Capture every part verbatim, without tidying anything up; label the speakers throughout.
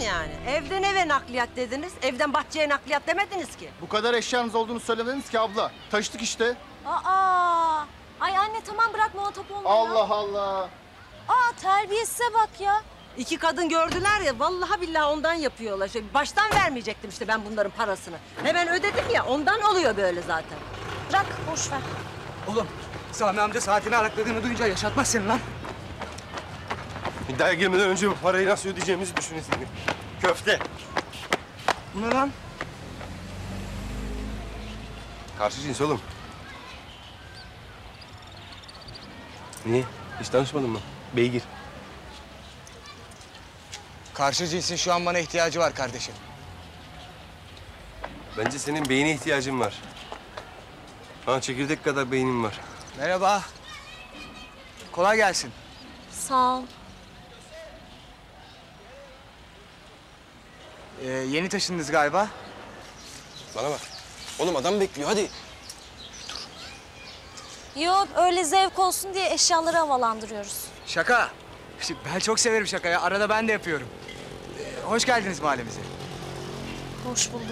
Speaker 1: yani? Evden eve nakliyat dediniz, evden bahçeye nakliyat demediniz ki.
Speaker 2: Bu kadar eşyanız olduğunu söylemediniz ki abla. Taşıdık işte.
Speaker 3: Aa! Ay anne tamam bırak muhatap olma ya.
Speaker 2: Allah Allah.
Speaker 3: Aa terbiyesize bak ya.
Speaker 1: İki kadın gördüler ya, vallahi billahi ondan yapıyorlar. Şey, baştan vermeyecektim işte ben bunların parasını. Hemen ödedim ya, ondan oluyor böyle zaten.
Speaker 3: Bırak boş ver.
Speaker 4: Oğlum Sami amca saatini arakladığını duyunca yaşatmaz seni lan.
Speaker 5: İddiaya girmeden önce bu parayı nasıl ödeyeceğimizi düşünün senin. Köfte.
Speaker 4: Bu ne lan?
Speaker 5: Karşı cins oğlum. Niye? Hiç tanışmadın mı? Beygir.
Speaker 4: Karşı cinsin şu an bana ihtiyacı var kardeşim.
Speaker 5: Bence senin beyine ihtiyacın var. Ha, çekirdek kadar beynin var.
Speaker 4: Merhaba. Kolay gelsin.
Speaker 3: Sağ ol.
Speaker 4: Ee, yeni taşındınız galiba.
Speaker 5: Bana bak. Oğlum adam bekliyor, hadi.
Speaker 3: Yok öyle zevk olsun diye eşyaları havalandırıyoruz.
Speaker 4: Şaka. Ben çok severim şakayı. Arada ben de yapıyorum. Ee, hoş geldiniz mahallemize.
Speaker 3: Hoş bulduk.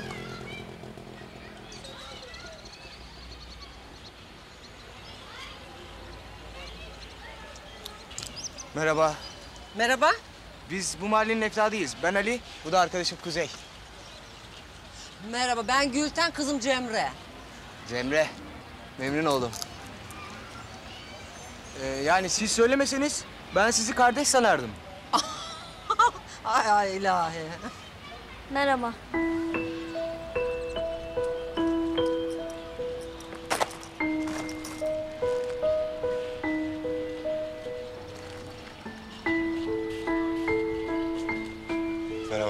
Speaker 4: Merhaba.
Speaker 1: Merhaba.
Speaker 4: Biz bu mahallenin efradıyız. Ben Ali, bu da arkadaşım Kuzey.
Speaker 1: Merhaba, ben Gülten, kızım Cemre.
Speaker 4: Cemre. Memnun oldum. Ee, yani siz söylemeseniz ben sizi kardeş sanardım.
Speaker 1: Ay ay ilahi.
Speaker 3: Merhaba.
Speaker 5: Merhaba.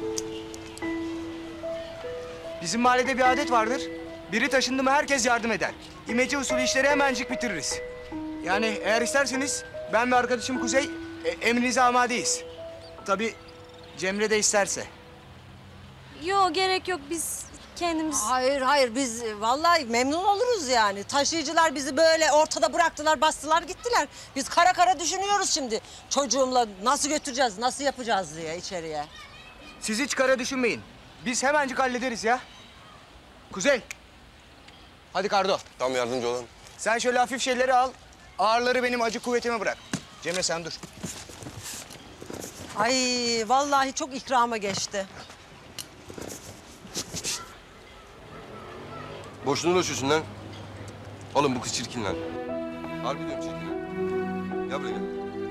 Speaker 4: Bizim mahallede bir adet vardır. Biri taşındı mı herkes yardım eder. İmece usulü işleri hemencik bitiririz. Yani eğer isterseniz ben ve arkadaşım Kuzey e, emrinize amadeyiz. Tabii Cemre de isterse.
Speaker 3: Yok gerek yok biz kendimiz...
Speaker 1: Hayır hayır, biz e, vallahi memnun oluruz yani. Taşıyıcılar bizi böyle ortada bıraktılar, bastılar gittiler. Biz kara kara düşünüyoruz şimdi. Çocuğumla nasıl götüreceğiz, nasıl yapacağız diye içeriye.
Speaker 4: Siz hiç kara düşünmeyin. Biz hemencik hallederiz ya. Kuzey. Hadi Kardo.
Speaker 5: Tam yardımcı olan.
Speaker 4: Sen şöyle hafif şeyleri al. Ağırları benim acı kuvvetime bırak. Cemre sen dur.
Speaker 1: Ay vallahi çok ikrama geçti.
Speaker 5: Boşuna uğraşıyorsun lan. Oğlum bu kız çirkin lan. Harbi diyorum çirkin lan. Gel buraya gel.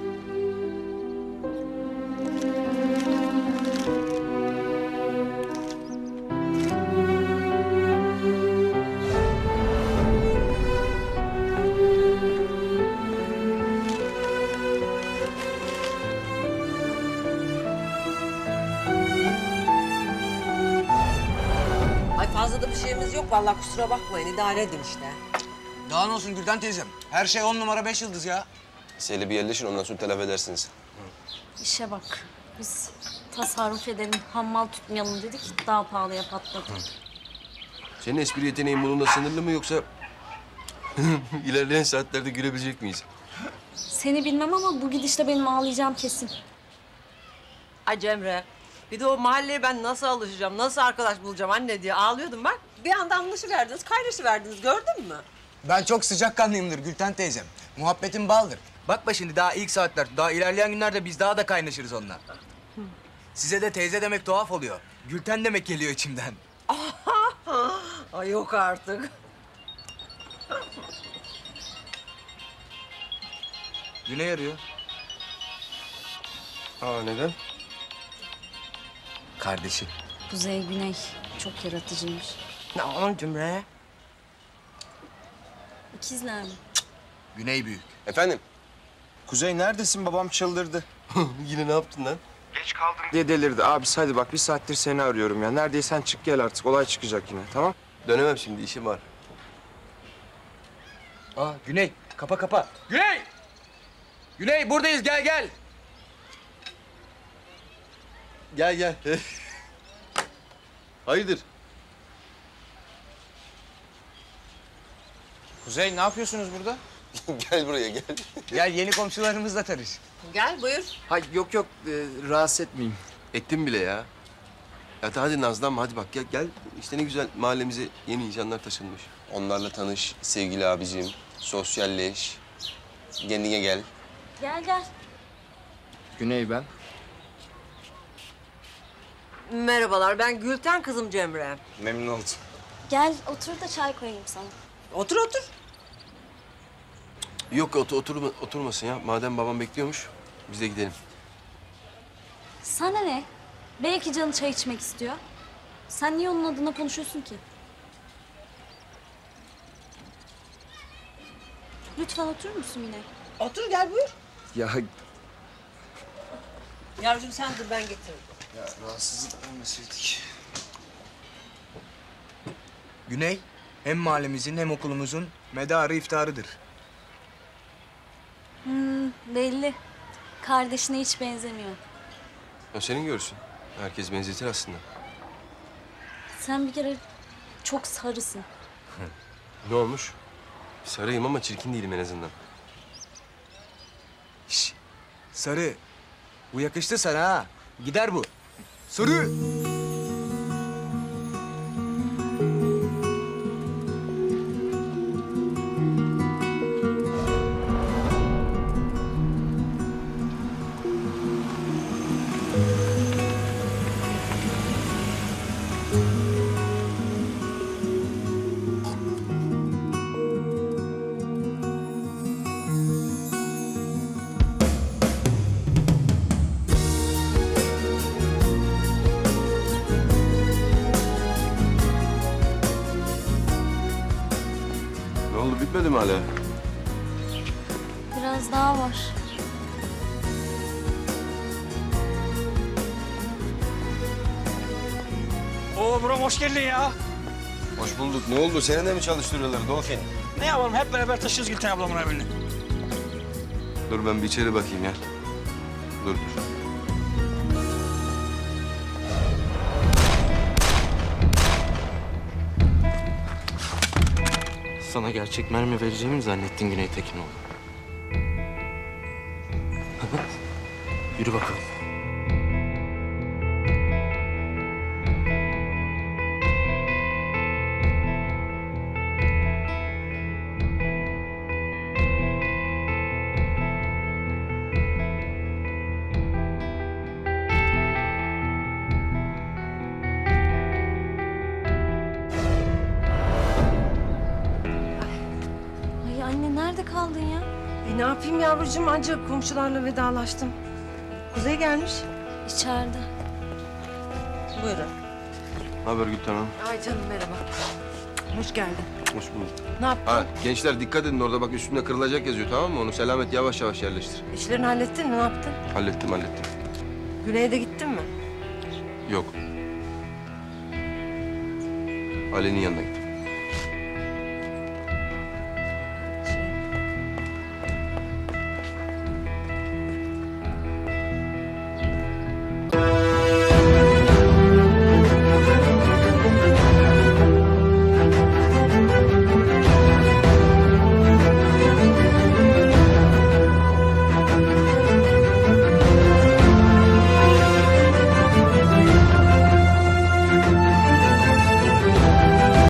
Speaker 1: Ay fazla da bir şeyimiz yok vallahi, kusura bakmayın, idare edin işte.
Speaker 4: Daha ne olsun Gülden teyzem. Her şey on numara beş yıldız ya.
Speaker 5: Seyle bir yerleşin, ondan sonra telafi edersiniz.
Speaker 3: İşe bak. Biz tasarruf edelim, hammal tutmayalım dedik. Daha pahalıya patladı.
Speaker 5: Senin espri yeteneğin bununla sınırlı mı yoksa... ilerleyen saatlerde gülebilecek miyiz?
Speaker 3: Seni bilmem ama bu gidişle benim ağlayacağım kesin.
Speaker 1: Ay Cemre, bir de o mahalleye ben nasıl alışacağım, nasıl arkadaş bulacağım anne diye ağlıyordum bak. Bir anda anlaşıverdiniz, kaynaşıverdiniz, gördün mü?
Speaker 4: Ben çok sıcakkanlıyımdır Gülten teyzem. Muhabbetim baldır. Bakma şimdi daha ilk saatler. Daha ilerleyen günlerde biz daha da kaynaşırız onunla. Size de teyze demek tuhaf oluyor. Gülten demek geliyor içimden.
Speaker 1: Ay yok artık.
Speaker 4: Güney arıyor.
Speaker 5: Aa, neden?
Speaker 4: Kardeşi.
Speaker 3: Kuzey Güney çok yaratıcıymış.
Speaker 1: Ne aman Cemre?
Speaker 3: İkizler mi?
Speaker 4: Güney büyük.
Speaker 5: Efendim?
Speaker 2: Kuzey neredesin? Babam çıldırdı.
Speaker 5: Yine ne yaptın lan?
Speaker 6: diye delirdi. Abi hadi bak bir saattir seni arıyorum ya. Neredeysen çık gel artık. Olay çıkacak yine tamam?
Speaker 5: Dönemem şimdi, işim var.
Speaker 4: Aa Güney kapa kapa. Güney! Güney buradayız gel gel.
Speaker 5: Gel gel. Hayırdır?
Speaker 6: Kuzey ne yapıyorsunuz burada?
Speaker 5: Gel buraya gel.
Speaker 4: Gel yeni komşularımızla tanış.
Speaker 1: Gel buyur.
Speaker 6: Hay yok yok e, rahatsız etmeyeyim.
Speaker 5: Ettim bile ya. Ya hadi nazlanma hadi bak gel, gel. İşte ne güzel mahallemize yeni insanlar taşınmış. Onlarla tanış sevgili abicim. Sosyalleş. Kendine gel.
Speaker 3: Gel gel.
Speaker 6: Güney ben.
Speaker 1: Merhabalar, ben Gülten kızım Cemre.
Speaker 2: Memnun oldum.
Speaker 3: Gel otur da çay koyayım sana.
Speaker 1: Otur otur.
Speaker 5: Yok otur, oturma, oturmasın ya. Madem babam bekliyormuş biz de gidelim.
Speaker 3: Sana ne? Belki canı çay içmek istiyor. Sen niye onun adına konuşuyorsun ki? Lütfen oturur musun yine?
Speaker 1: Otur gel buyur.
Speaker 6: Ya
Speaker 1: Yavrucuğum sen dur ben getiririm.
Speaker 6: rahatsızlık vermeseydik.
Speaker 4: Güney hem mahallemizin hem okulumuzun medarı iftarıdır.
Speaker 3: Belli. Kardeşine hiç benzemiyor.
Speaker 5: O senin görsün. Herkes benzetir aslında.
Speaker 3: Sen bir kere çok sarısın.
Speaker 5: Ne olmuş? Sarıyım ama çirkin değilim en azından.
Speaker 4: Şş, sarı. Bu yakıştı sana ha. Gider bu. Sarı.
Speaker 5: Ne oldu bitmedi mi hala?
Speaker 3: Biraz daha var.
Speaker 7: Oo buram hoş geldin ya.
Speaker 5: Hoş bulduk. Ne oldu? Seni de mi çalıştırıyorlar Dolphin?
Speaker 7: Ne yapalım hep beraber taşıyoruz Gülten ablamın evini.
Speaker 5: Dur ben bir içeri bakayım ya. Dur dur.
Speaker 6: Sana gerçek mermi vereceğimi mi zannettin Güney Tekinoğlu? Yürü bakalım.
Speaker 3: Ay anne nerede kaldın ya?
Speaker 1: E ne yapayım yavrucuğum ancak komşularla vedalaştım. Kuzey gelmiş.
Speaker 3: İçeride.
Speaker 1: Buyurun.
Speaker 5: Ne haber Gülten Hanım?
Speaker 1: Ay canım merhaba. Hoş geldin.
Speaker 5: Hoş bulduk.
Speaker 1: Ne yaptın?
Speaker 5: Ha gençler dikkat edin orada bak üstünde kırılacak yazıyor tamam mı? Onu selamet yavaş yavaş yerleştir.
Speaker 1: İşlerini hallettin mi? Ne yaptın?
Speaker 5: Hallettim hallettim.
Speaker 1: Güney'de gittin mi?
Speaker 5: Yok. Ali'nin yanına gittim.